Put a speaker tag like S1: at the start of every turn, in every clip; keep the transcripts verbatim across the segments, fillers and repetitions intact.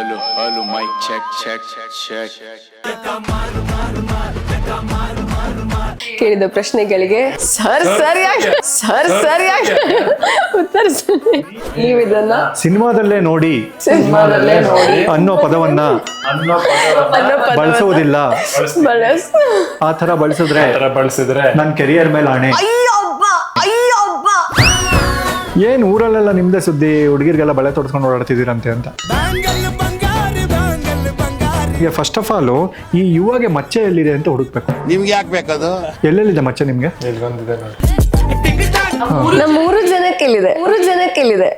S1: Hello, hello, mic check, check, check.
S2: ಕೇಳಿದ ಪ್ರಶ್ನೆಗಳಿಗೆ sir ಸರಿಯಾಗಿ ಸರ್ ಸರಿಯಾಗಿ ಉತ್ತರಿಸಿ. ನೀವು ಇದನ್ನ
S3: ಸಿನಿಮಾದಲ್ಲೇ ನೋಡಿ
S2: ಸಿನಿಮಾದಲ್ಲೇ ನೋಡಿ
S3: ಅನ್ನೋ ಪದವನ್ನ ಬಳಸುವುದಿಲ್ಲ.
S2: ಬಳಸ್
S3: ಆ ತರ ಬಳಸಿದ್ರೆ
S4: ಬಳಸಿದ್ರೆ
S3: ನನ್ನ ಕೆರಿಯರ್ ಮೇಲೆ ಆಣೆ.
S2: ಅಯ್ಯೊಬ್ಬ ಅಯ್ಯೊಬ್ಬ
S3: ಏನ್ ಊರಲ್ಲೆಲ್ಲ ನಿಮ್ದೇ ಸುದ್ದಿ, ಹುಡುಗಿರ್ಗೆಲ್ಲ ಬಳೆ ತೊಡ್ಸ್ಕೊಂಡು ಓಡಾಡ್ತಿದ್ದೀರಂತೆ ಅಂತ. ಈಗ ಫಸ್ಟ್ ಆಫ್ ಆಲ್ ಈ ಯುವಾಗೆ ಮಚ್ಚೆ ಎಲ್ಲಿದೆ ಅಂತ ಹುಡುಕ್ಬೇಕು.
S5: ನಿಮ್ಗೆ ಯಾಕೆ ಬೇಕದು?
S3: ಎಲ್ಲೆಲ್ಲಿದೆ ಮಚ್ಚೆ ನಿಮ್ಗೆ?
S4: ಇಲ್ಲೊಂದಿದೆ ನೋಡಿ.
S2: ನಮ್ಮ ಮೂರು ಜನಕ್ಕೆ ಇಲ್ಲಿದೆ, ಮೂರು ಜನಕ್ಕೆ ಇಲ್ಲಿದೆ.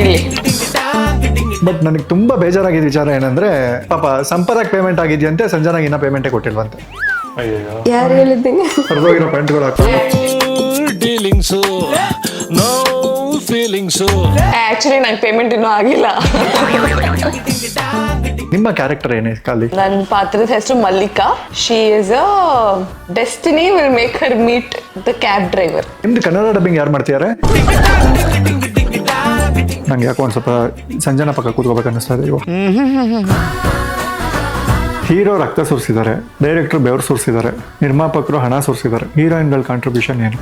S3: ಬಟ್ ನನಗೆ ತುಂಬಾ ಬೇಜಾರಾಗಿದ್ದ ವಿಚಾರ ಏನಂದ್ರೆ, ಪಾಪ ಸಂಪದಾಗ್ ಪೇಮೆಂಟ್ ಆಗಿದೆಯಂತೆ, ಸಂಜನಾಗ ಇನ್ನ ಪೇಮೆಂಟೇ ಕೊಟ್ಟಿಲ್ವಂತೆ.
S4: ಅಯ್ಯೋ
S2: ಯಾರು ಹೇಳಿದ್ದೀನಿ?
S3: ಹೊರದೋಗಿರೋ ಪ್ಯಾಂಟ್ಗಳು ಹಾಕೊಂಡು
S6: ಡೀಲಿಂಗ್ಸು ನೋ ಫೀಲಿಂಗ್ಸು.
S7: ಆಕ್ಚುಲಿ ನಂಗೆ ಪೇಮೆಂಟ್ ಇನ್ನೂ ಆಗಿಲ್ಲ.
S3: ನಿಮ್ಮ ಕ್ಯಾರೆಕ್ಟರ್ ಏನೇ ಖಾಲಿ?
S7: ನನ್ನ ಪಾತ್ರದ ಹೆಸರು Mallika. She is a destiny will make her meet the cab driver.
S3: ನಿಮ್ದು ಕನ್ನಡ ಡಬ್ಬಿಂಗ್ ಯಾರು ಮಾಡ್ತಿದ್ದಾರೆ? ನಂಗೆ ಯಾಕೋ ಒಂದ್ ಸ್ವಲ್ಪ ಸಂಜನಾ ಪಕ್ಕ ಕೂತ್ಕೋಬೇಕು ಅನ್ನಿಸ್ತಾ ಇದೆ. ಹೀರೋ ರಕ್ತ ಸುರಿಸಿದ್ದಾರೆ, ಡೈರೆಕ್ಟರ್ ಬೆವರು ಸುರಿಸಿದ್ದಾರೆ, ನಿರ್ಮಾಪಕರು ಹಣ ಸುರಿಸಿದ್ದಾರೆ. ಹೀರೋಯಿನ್ಗಳ ಕಾಂಟ್ರಿಬ್ಯೂಷನ್ ಏನು?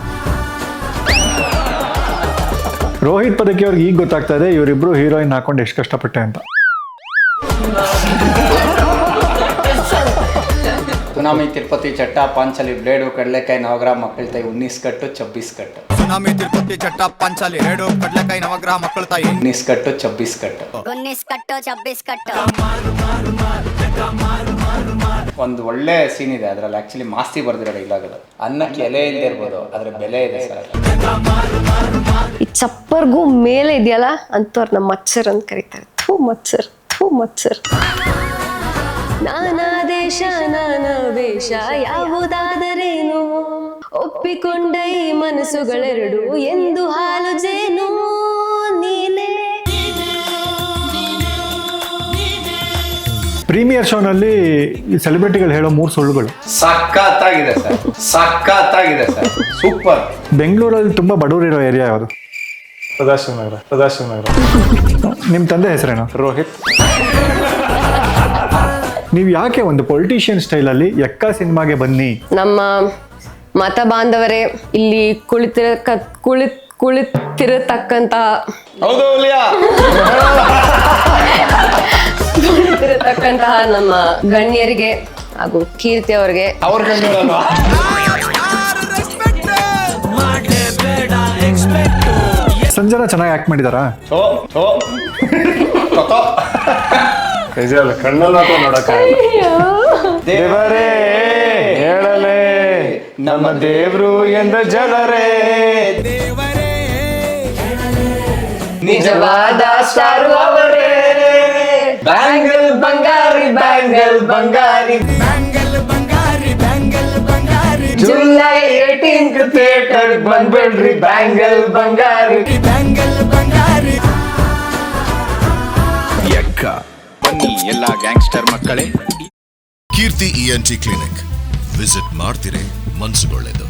S3: ರೋಹಿತ್ ಪದಕಿ ಅವ್ರಿಗೆ ಈಗ ಗೊತ್ತಾಗ್ತಾ ಇದೆ ಇವರಿಬ್ರು ಹೀರೋಯಿನ್ ಹಾಕೊಂಡು ಎಷ್ಟು ಕಷ್ಟಪಟ್ಟೆ ಅಂತ.
S8: ಸುನಾಮಿ ತಿರುಪತಿ ಚಟ್ಟ ಪಾಂಚಾಲಿ ಬ್ಲೇಡು ಕಡಲೆಕಾಯಿ ನವಗ್ರಹ ಮಕ್ಕಳ ತಾಯಿ ಉನ್ನಿಸ್ ಕಟ್ಟು ಚಬ್ಬಿಸ್ ಕಟ್ಟು.
S5: ಸುನಾಮಿ ತಿರುಪತಿ ಚಟ್ಟ ಪಾಂಚಾಲಿ ರೇಡು ಕಡ್ಲೆಕಾಯಿ ನವಗ್ರಹ ಮಕ್ಕಳ ತಾಯಿ
S8: ಉನ್ನಿಸ್ ಕಟ್ಟು ಚಬ್ಬಿಸ್ ಕಟ್ಟು.
S9: ಉನ್ನಿಸ್ ಕಟ್ಟು ಚಬ್ಬಿಸ್ ಕಟ್ಟು.
S8: ಒಂದು ಒಳ್ಳೆ ಸೀನ್ ಇದೆ ಅದರಲ್ಲಿ, ಆಕ್ಚುಲಿ ಮಾಸ್ತಿ ಬರ್ದಿರೋ ಡೈಲಾಗ್ ಅದು. ಅನ್ನಕ್ಕೆ ಎಲೆ ಇಲ್ಲದೆ ಇರ್ಬೋದು, ಅದ್ರ ಬೆಲೆ ಇದೆ ಸರ್.
S2: ಈ ಚಪ್ಪರ್ಗೂ ಮೇಲೆ ಇದೆಯಲ್ಲ ಅಂತವ್ರ ನಮ್ಮ ಮಚ್ಚರ್ ಅಂತ ಕರೀತಾರೆ. ಥೂ ಮಚ್ಚರ್, ಥೂ ಮಚ್ಚರ್. ನಾನಾ ದೇಶ ನಾನಾ ವೇಷ ಯಾವುದಾದರೇನು, ಒಪ್ಪಿಕೊಂಡ ಈ ಮನಸ್ಸುಗಳೆರಡು ಎಂದು ಹಾಲು ಜೇನು ನೀನೇ.
S3: ಪ್ರೀಮಿಯರ್ ಶೋನಲ್ಲಿ ಸೆಲೆಬ್ರಿಟಿಗಳು ಹೇಳೋ ಮೂರು ಸುಳ್ಳುಗಳು
S8: ಸಖತ್ತಾಗಿದೆ ಸರ್, ಸಖತ್ತಾಗಿದೆ ಸರ್, ಸೂಪರ್.
S3: ಬೆಂಗಳೂರಲ್ಲಿ ತುಂಬಾ ಬಡವರಿರೋ ಏರಿಯಾ ಯಾವುದು?
S4: ಸದಾಶಿವನಗರ. ಸದಾಶಿವನಗರ.
S3: ನಿಮ್ಮ ತಂದೆ ಹೆಸರೇನು?
S4: ರೋಹಿತ್.
S3: ನೀವು ಯಾಕೆ ಒಂದು ಪೊಲಿಟಿಷಿಯನ್ ಸ್ಟೈಲಲ್ಲಿ ಎಕ್ಕ ಸಿನಿಮಾಗೆ ಬನ್ನಿ?
S2: ನಮ್ಮ ಮತ ಬಾಂಧವರೇ, ಇಲ್ಲಿ ಕುಳಿತಿರ ಕುಳಿತ್ ಕುಳಿತಿರತಕ್ಕಂತ
S8: ಹೌದು
S2: ಕುಳಿತಿರತಕ್ಕಂತಹ ನಮ್ಮ ಗಣ್ಯರಿಗೆ ಹಾಗೂ ಕೀರ್ತಿ ಅವರಿಗೆ
S8: ಅವ್ರ ಗಣ್ಯರಲ್ವಾ?
S3: ಸಂಜನಾ ಚೆನ್ನಾಗಿ ಆಕ್ಟ್ ಮಾಡಿದಾರಾ?
S4: ನಿಜವಲ್ಲ, ಕಣ್ಣಲ್ಲಿ ಹಾಕೊಂಡು ನೋಡಕ್ಕಾಗಲ್ಲ.
S8: ದೇವರೇ ಹೇಳಲೇ ನಮ್ಮ ದೇವ್ರು ಎಂದ ಜನರೇ, ನಿಜವಾದ ಸ್ಟಾರ್ ಅವರೇ. Bangle Bangari bangle Bangari bangle Bangari bangle Bangari July eighteenth theatre ಬಂದ್ಬಿಡ್ರಿ ಬ್ಯಾಂಗಲ್ ಬಂಗಾರಿ ಬ್ಯಾಂಗಲ್ ಬಂಗಾರಿ.
S1: ಎಕ್ಕ ಬನ್ನಿ ಎಲ್ಲ ಗ್ಯಾಂಗ್ಸ್ಟರ್ ಮಕ್ಕಳೇ.
S10: Keerthi E N T clinic visit ಮಾಡ್ತಿರೇ ಮನ್ಸುಗೊಳ್ಳೆದು.